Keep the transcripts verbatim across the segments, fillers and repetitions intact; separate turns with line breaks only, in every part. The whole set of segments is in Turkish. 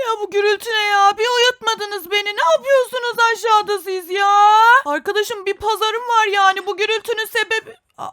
ya bu gürültü ne ya? Bir uyutmadınız beni. Ne yapıyorsunuz aşağıda siz ya? Arkadaşım bir pazarım var yani. Bu gürültünün sebebi...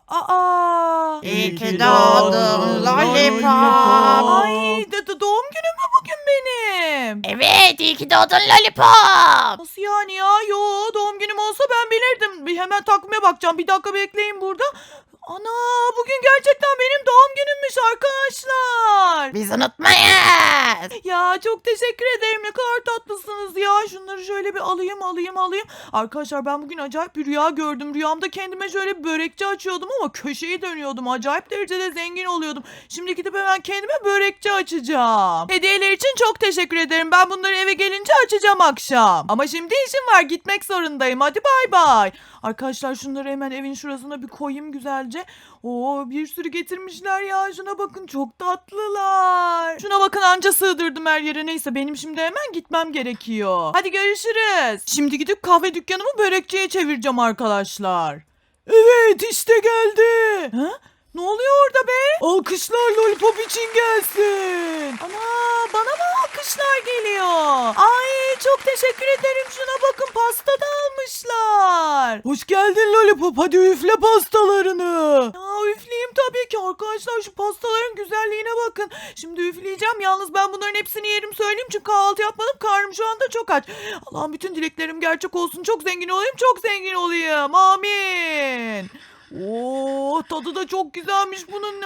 Aa.
İyi ki doğdun Lollipop.
Ay de, de doğum günüm mü bugün benim?
Evet, iyi ki doğdun Lollipop.
Nasıl yani ya? Yo, doğum günüm olsa ben bilirdim. Bir hemen takvime bakacağım. Bir dakika bekleyin burada. Ana, bugün gerçekten benim doğum günümmüş arkadaşlar.
Biz unutmayız.
Ya çok teşekkür ederim. Ne kadar tatlısınız ya. Şunları şöyle bir alayım alayım alayım. Arkadaşlar ben bugün acayip bir rüya gördüm. Rüyamda kendime şöyle bir börekçi açıyordum ama köşeyi dönüyordum. Acayip derecede zengin oluyordum. Şimdi gidip hemen kendime börekçi açacağım. Hediyeler için çok teşekkür ederim. Ben bunları eve gelince açacağım akşam. Ama şimdi işim var. Gitmek zorundayım. Hadi bay bay. Arkadaşlar şunları hemen evin şurasına bir koyayım güzelce. Oo, bir sürü getirmişler ya. Şuna bakın, çok tatlılar. Şuna bakın, anca sığdırdım her yere. Neyse benim şimdi hemen gitmem gerekiyor. Hadi görüşürüz. Şimdi gidip kahve dükkanımı börekçiye çevireceğim arkadaşlar. Evet, işte geldi. Ha? Ne oluyor orada be? Alkışlar Lollipop için gelsin. Ana, bana mı alkışlar geliyor? Ay çok teşekkür ederim. Şuna bakın, pasta da almışlar. Hoş geldin Lollipop. Hadi üfle pastalarını. Ya üfleyeyim tabii ki arkadaşlar. Şu pastaların güzelliğine bakın. Şimdi üfleyeceğim. Yalnız ben bunların hepsini yerim söyleyeyim. Çünkü kahvaltı yapmadım. Karnım şu anda çok aç. Allah'ım bütün dileklerim gerçek olsun. Çok zengin olayım. Çok zengin olayım. Amin. Oo, tadı da çok güzelmiş bunun.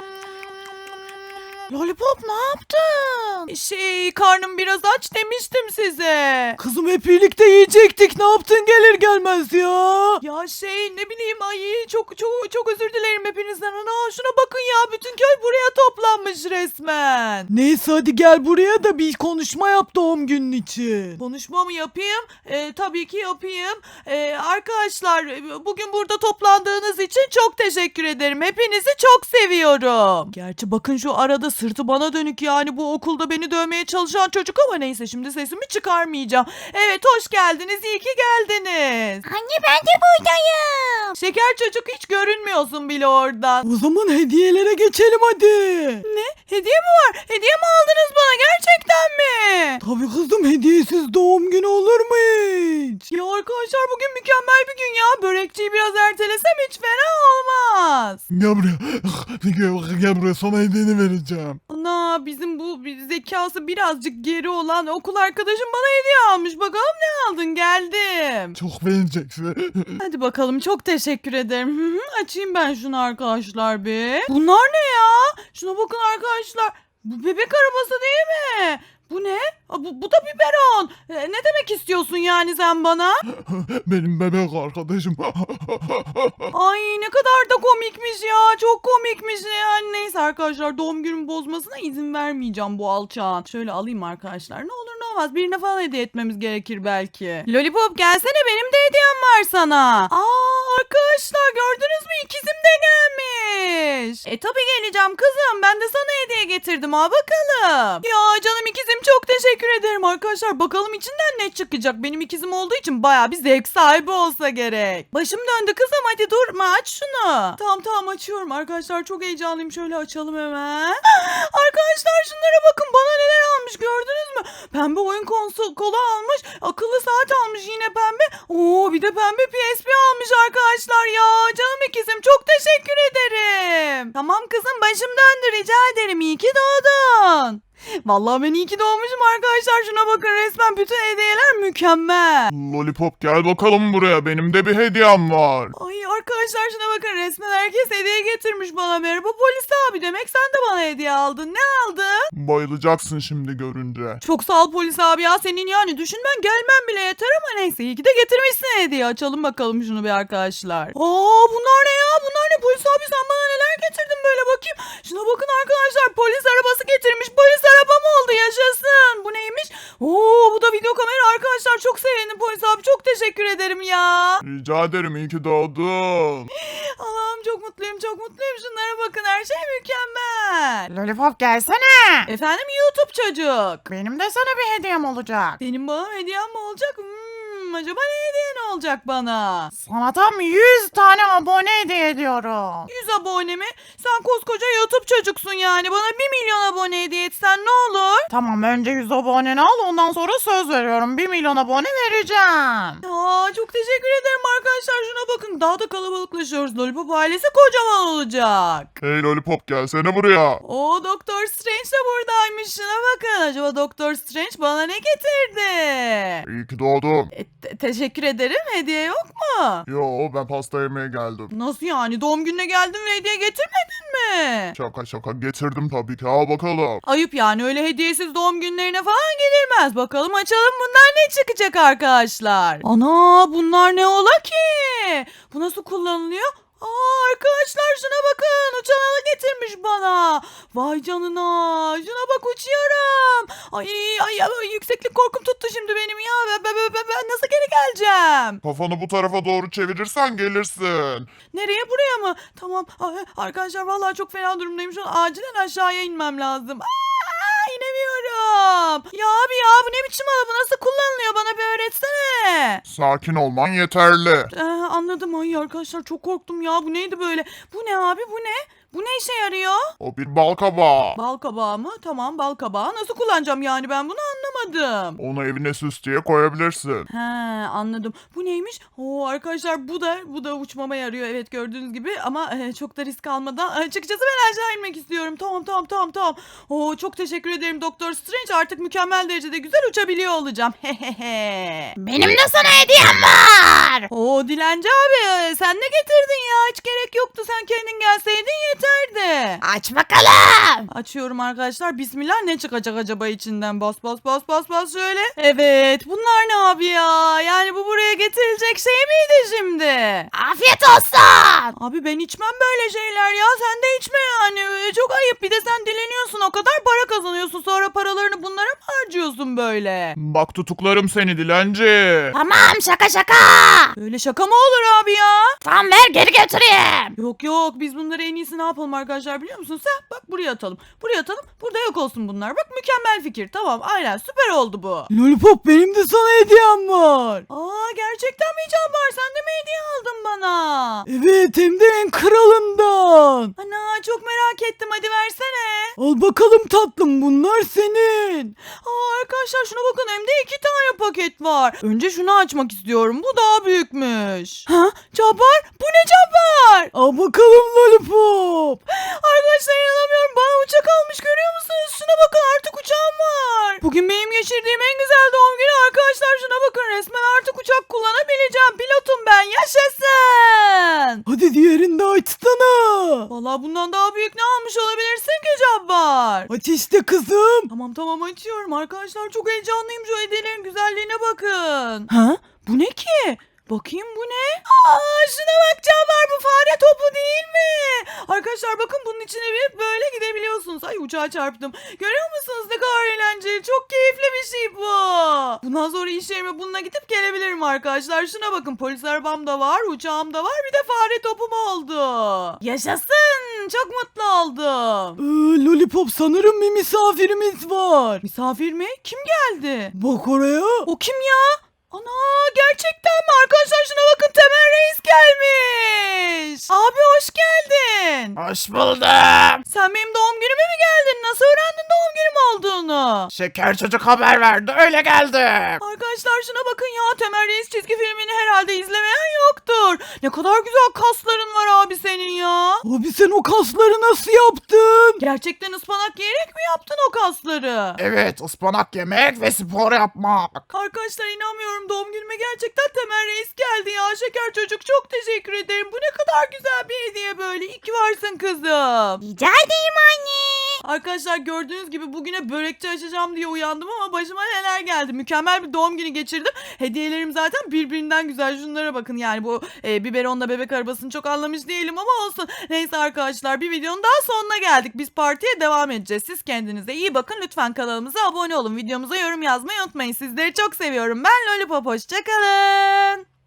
Lollipop ne yaptın? Şey, karnım biraz aç demiştim size. Kızım hep birlikte yiyecektik. Ne yaptın gelir gelmez ya? Ya şey, ne bileyim, ay çok çok çok özür dilerim hepinizden. Ana şuna bakın ya, bütün köy buraya toplanmış resmen. Neyse hadi gel buraya da bir konuşma yap doğum günün için. Konuşma mı yapayım? Ee, tabii ki yapayım. Ee, arkadaşlar bugün burada toplandığınız için çok teşekkür ederim. Hepinizi çok seviyorum. Gerçi bakın şu arada sırtı bana dönük, yani bu okulda beni dövmeye çalışan çocuk, ama neyse şimdi sesimi çıkarmayacağım. Evet, hoş geldiniz, iyi ki geldiniz.
Anne, ben de buradayım.
Şeker çocuk, hiç görünmüyorsun bile oradan. O zaman hediyelere geçelim hadi. Ne? Hediye mi var? Hediye mi aldınız bana, gerçekten mi? Tabii kızım, hediyesiz doğum günü olur mu hiç? Ya arkadaşlar bugün mükemmel bir gün ya. Börekçiyi biraz ertelesem hiç fena olmaz.
Gel buraya. Gel, gel buraya, sana hediyeni vereceğim.
Ana, bizim bu zekası birazcık geri olan okul arkadaşım bana hediye almış. Bakalım ne aldın, geldim.
Çok beğeneceksin.
Hadi bakalım, çok teşekkür ederim. Hı hı, açayım ben şunu arkadaşlar bir. Bunlar ne ya? Şuna bakın arkadaşlar. Bu bebek arabası değil mi? Bu ne? Aa, Bu, bu da biberon. Ee, ne demek istiyorsun yani sen bana?
Benim bebek arkadaşım.
Ay ne kadar da komikmiş ya. Çok komikmiş yani. Neyse arkadaşlar, doğum günümü bozmasına izin vermeyeceğim bu alçağın. Şöyle alayım arkadaşlar. Ne olur ne olmaz. Birine falan hediye etmemiz gerekir belki. Lollipop gelsene, benim de hediyem var sana. Aa arkadaşlar, gördünüz mü? İkizim de gelmiş. E tabii geleceğim kızım. Ben de sana hediye getirdim, ha bakalım. Ya canım ikizim, çok teşekkür ederim arkadaşlar. Bakalım içinden ne çıkacak. Benim ikizim olduğu için baya bir zevk sahibi olsa gerek. Başım döndü kızım, hadi durma, aç şunu. Tamam tamam, açıyorum arkadaşlar, çok heyecanlıyım. Şöyle açalım hemen. Arkadaşlar şunlara bakın, bana neler almış gördünüz mü? Pembe oyun konsolu kolu almış. Akıllı saat almış yine pembe. Oo, bir de pembe P S P almış arkadaşlar ya. Canım ikizim, çok teşekkür ederim. Tamam kızım, başım döndü, rica ederim. İyi ki doğdun. Vallahi ben iyi ki doğmuşum arkadaşlar. Şuna bakın, resmen bütün hediyeler mükemmel.
Lollipop gel bakalım buraya. Benim de bir hediyem var.
Ay arkadaşlar şuna bakın, resmen herkes hediye getirmiş bana. Merhaba polis abi, demek sen de bana hediye aldın. Ne aldın?
Bayılacaksın şimdi görünce.
Çok sağ ol polis abi ya, senin yani düşünmen gelmem bile yeter, ama neyse iyi ki de getirmişsin hediye. Açalım bakalım şunu bir arkadaşlar. Aa bunlar ne ya, bunlar ne polis abi, sen bana neler getirdin böyle, bakayım. Şuna bakın arkadaşlar, polis arabası getirmiş. Polis arabam oldu, yaşasın. Bu neymiş? Oo, bu da video kamera arkadaşlar, çok sevindim polis abi, çok teşekkür ederim ya.
Rica ederim, iyi ki doğdun.
Allah'ım çok mutluyum, çok mutluyum. Şunlara bakın, her şey mükemmel.
Lollipop gelsene.
Efendim YouTube çocuk.
Benim de sana bir hediyem olacak.
Benim bana hediyem mi olacak? Hmm, mı acaba? Ne hediye ne olacak bana?
Sana tam yüz tane abone hediye ediyorum.
yüz abone mi? Sen koskoca YouTube çocuksun yani. Bana bir milyon abone hediye etsen ne olur?
Tamam, önce yüz aboneni al, ondan sonra söz veriyorum bir milyon abone vereceğim.
Aa, çok teşekkür ederim arkadaşlar. Şuna bakın. Daha da kalabalıklaşıyoruz. Lollipop ailesi kocaman olacak.
Hey Lollipop gelsene buraya.
Oo, Doktor Strange de buradaymış. Şuna bakın. Acaba Doktor Strange bana ne getirdi?
İyi ki doğdun.
E, te- teşekkür ederim. Hediye yok mu?
Yo ben pasta yemeye geldim.
Nasıl yani? Doğum gününe geldin ve hediye getirmedin mi?
Şaka şaka getirdim tabii ki. Al bakalım.
Ayıp yani, öyle hediyesiz doğum günlerine falan gidilmez. Bakalım açalım, bunlar ne çıkacak arkadaşlar. Ana, bunlar ne ola ki? Bu nasıl kullanılıyor? Aa, arkadaşlar şuna bakın, uçan halı getirmiş bana. Vay canına, şuna bak, uçuyorum. Ay, ay, ay yükseklik korkum tuttu şimdi benim ya. Ben, ben, ben, ben nasıl geri geleceğim?
Kafanı bu tarafa doğru çevirirsen gelirsin.
Nereye, buraya mı? Tamam. Ay, arkadaşlar vallahi çok fena durumdayım. Şu an acilen aşağıya inmem lazım. Aa, inemiyorum. Ya abi ya, bu ne biçim halı, bu nasıl kullanılıyor, bana bir öğretsene.
Sakin olman yeterli.
Ee, anladım. Ay arkadaşlar çok korktum ya, bu neydi böyle? Bu ne abi, bu ne? Bu ne işe yarıyor?
O bir bal kabağı.
Bal kabağı mı? Tamam, bal kabağı. Nasıl kullanacağım yani, ben bunu anlamadım.
Onu evine süs diye koyabilirsin.
He, anladım. Bu neymiş? Oo, arkadaşlar bu da bu da uçmama yarıyor. Evet, gördüğünüz gibi ama e, çok da risk almadan. Açıkçası ben aşağı inmek istiyorum. Tamam tamam tamam tamam. Oo, çok teşekkür ederim Doktor Strange. Artık mükemmel derecede güzel uçabiliyor olacağım. Hehehe.
Benim de sana hediyem var.
Oo, Dilenci abi, sen ne getirdin ya? Hiç gerek yoktu. Sen kendin gelseydin yeterdi.
Aç bakalım.
Açıyorum arkadaşlar. Bismillah, ne çıkacak acaba içinden? Bas bas bas bas bas şöyle. Evet, bunlar ne abi ya? Yani bu buraya getirilecek şey miydi şimdi?
Afiyet olsun.
Abi ben içmem böyle şeyler ya. Sen de içme yani. Ee, Çok ayıp. Bir de sen dileniyorsun, o kadar para kazanıyorsun. Sonra paralarını bunlara mı harcıyorsun böyle?
Bak tutuklarım seni dilenci.
Tamam, şaka şaka.
Böyle şaka mı olur abi ya?
Tamam, ver geri götüreyim.
Yok yok, biz bunları en iyisi ne yapalım arkadaşlar biliyor musun? Sen bak, buraya atalım. Buraya atalım. Burada yok olsun bunlar. Bak, mükemmel fikir. Tamam, aynen, süper oldu bu.
Lollipop, benim de sana hediyem var.
Aa, gerçekten mi Can var? Sen de mi hediye aldın bana?
Evet, hem de en kralından.
Ana, çok merak ettim. Hadi versene.
Al bakalım tatlım, bunlar senin.
Aa, arkadaşlar şuna bakın, hem de iki tane paket var. Önce şunu açmak istiyorum. Bu daha büyükmüş. Ha? Cabbar? Bu ne Cabbar?
Al bakalım Lollipop.
Arkadaşlar inanamıyorum. Bana uçak almış, görüyor musunuz? Şuna bakın, artık uçağım var. Bugün benim geçirdiğim en güzel doğum günü arkadaşlar. Şuna bakın, resmen artık uçak kullanabileceğim. Pilotum ben. Yaşasın.
Hadi diğerini de açsana.
Vallahi bundan daha büyük ne almış olabilirsin ki Cabbar?
Aç işte kızım.
Tamam tamam, açıyorum arkadaşlar. Çok heyecanlıyım, şu hediyelerin güzelliğine bakın.
Ha?
Bu ne ki? Bakayım, bu ne? Aa, şuna bak Cabbar, bu fare topu değil mi? Arkadaşlar bakın, bunun içine bir böyle gidebiliyorsunuz. Ay, uçağa çarptım. Görüyor musunuz ne kadar eğlenceli? Çok keyifli bir şey bu. Bundan sonra iş yerime bununla gidip gelebilirim arkadaşlar. Şuna bakın, polis arabam da var, uçağım da var, bir de fare topum oldu. Yaşasın, çok mutlu oldum.
Ee, Lollipop, sanırım bir misafirimiz var.
Misafir mi? Kim geldi?
Bak oraya.
O kim ya? Ana, gerçekten mi? Arkadaşlar şuna bakın, Temel Reis gelmiş. Abi hoş geldin.
Hoş buldum.
Sen benim doğum günüme mi geldin? Nasıl öğrendin doğum günüm olduğunu?
Şeker çocuk haber verdi, öyle geldim.
Arkadaşlar şuna bakın ya, Temel Reis çizgi filmini herhalde izlemeyen yoktur. Ne kadar güzel kasların var abi senin ya.
Abi sen o kasları nasıl yaptın?
Gerçekten ıspanak yiyerek mi yaptın o kasları?
Evet, ıspanak yemek ve spor yapmak.
Arkadaşlar inanmıyorum, doğum günüme gerçekten Temel Reis geldi ya. Şeker çocuk, çok teşekkür ederim. Bu ne kadar güzel bir hediye böyle. İyi ki varsın kızım.
Rica edeyim anne.
Arkadaşlar gördüğünüz gibi bugüne börekçi açacağım diye uyandım ama başıma neler geldi. Mükemmel bir doğum günü geçirdim. Hediyelerim zaten birbirinden güzel. Şunlara bakın yani, bu e, biberonla bebek arabasını çok anlamış değilim ama olsun. Neyse arkadaşlar, bir videonun daha sonuna geldik. Biz partiye devam edeceğiz. Siz kendinize iyi bakın. Lütfen kanalımıza abone olun. Videomuza yorum yazmayı unutmayın. Sizleri çok seviyorum. Ben Lollipop. Hoşçakalın.